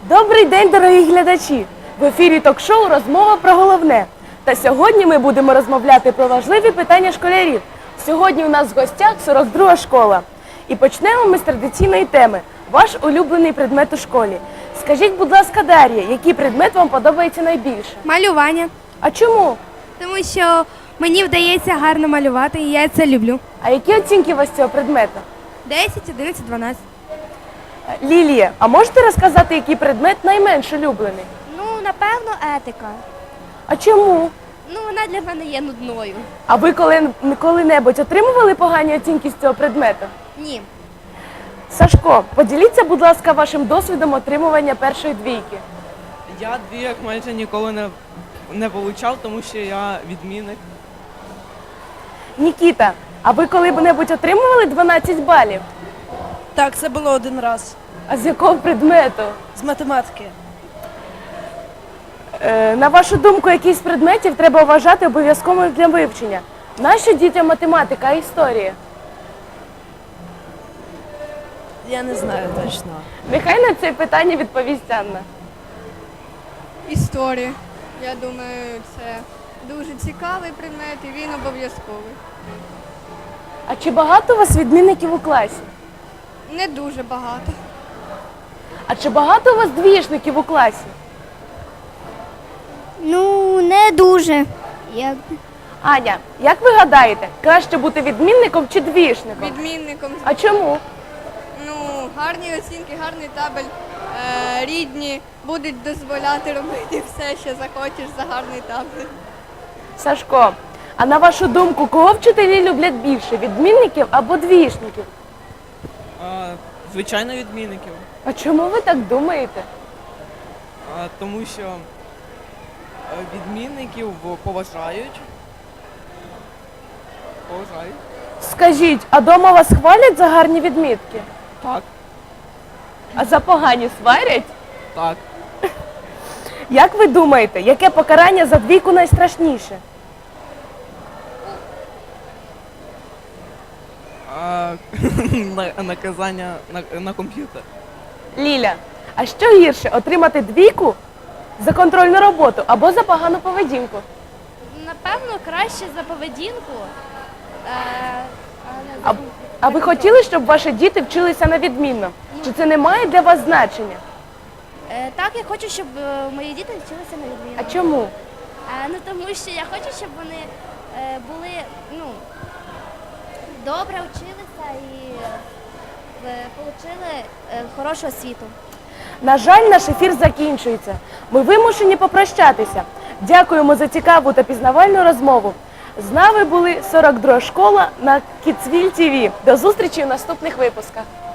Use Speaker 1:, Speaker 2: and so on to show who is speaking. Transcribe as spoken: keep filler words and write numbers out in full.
Speaker 1: Добрий день, дорогі глядачі! В ефірі ток-шоу «Розмова про головне». Та сьогодні ми будемо розмовляти про важливі питання школярів. Сьогодні у нас в гостях сорок друга школа. І почнемо ми з традиційної теми – ваш улюблений предмет у школі. Скажіть, будь ласка, Дар'я, який предмет вам подобається найбільше?
Speaker 2: Малювання.
Speaker 1: А чому?
Speaker 2: Тому що мені вдається гарно малювати, і я це люблю.
Speaker 1: А які оцінки у вас цього предмету?
Speaker 2: десять, одинадцять, дванадцять.
Speaker 1: Лілія, а можете розказати, який предмет найменш улюблений?
Speaker 2: Ну, напевно, етика.
Speaker 1: А чому?
Speaker 2: Ну, вона для мене є нудною.
Speaker 1: А ви коли, коли-небудь отримували погані оцінки з цього предмету?
Speaker 2: Ні.
Speaker 1: Сашко, поділіться, будь ласка, вашим досвідом отримування першої двійки.
Speaker 3: Я двійок майже ніколи не, не получав, тому що я відмінник.
Speaker 1: Нікіта, а ви коли-небудь отримували дванадцять балів?
Speaker 4: Так, це було один раз.
Speaker 1: А з якого предмету?
Speaker 4: З математики.
Speaker 1: Е, на вашу думку, який з предметів треба вважати обов'язковим для вивчення? Нащо дітям математика, а історія?
Speaker 4: Я не знаю точно.
Speaker 1: Нехай на це питання відповість Анна.
Speaker 5: Історія. Я думаю, це дуже цікавий предмет і він обов'язковий.
Speaker 1: А чи багато у вас відмінників у класі?
Speaker 5: Не дуже багато.
Speaker 1: А чи багато у вас двішників у класі?
Speaker 6: Ну, не дуже. Як...
Speaker 1: Аня, як ви гадаєте, краще бути відмінником чи двішником?
Speaker 5: Відмінником.
Speaker 1: А чому?
Speaker 5: Ну, гарні оцінки, гарний табель, е, рідні будуть дозволяти робити все, що захочеш за гарний табель.
Speaker 1: Сашко, а на вашу думку, кого вчителі люблять більше, відмінників або двішників?
Speaker 3: А, звичайно, відмінників.
Speaker 1: А чому ви так думаєте?
Speaker 3: А, тому що е, відмінників поважають. Поважають.
Speaker 1: Скажіть, а дома вас хвалять за гарні відмітки?
Speaker 3: Так,
Speaker 1: А за погані сварять?
Speaker 3: так.
Speaker 1: Як ви думаєте, яке покарання за двійку найстрашніше?
Speaker 3: А, на- наказання на, на комп'ютер.
Speaker 1: Ліля, а що гірше, отримати двійку за контрольну роботу або за погану поведінку?
Speaker 2: Напевно, краще за поведінку. Е,
Speaker 1: А, а ви хотіли, щоб ваші діти вчилися на відмінно? Чи це не має для вас значення?
Speaker 2: Е, так, я хочу, щоб е, мої діти вчилися на відміну.
Speaker 1: А чому?
Speaker 2: Е, ну, тому що я хочу, щоб вони е, були, ну, добре вчилися і е, отримали е, хорошу освіту.
Speaker 1: На жаль, наш ефір закінчується. Ми вимушені попрощатися. Дякуємо за цікаву та пізнавальну розмову. З нами були сорок друга школа на Kidsville ті ві. До зустрічі у наступних випусках.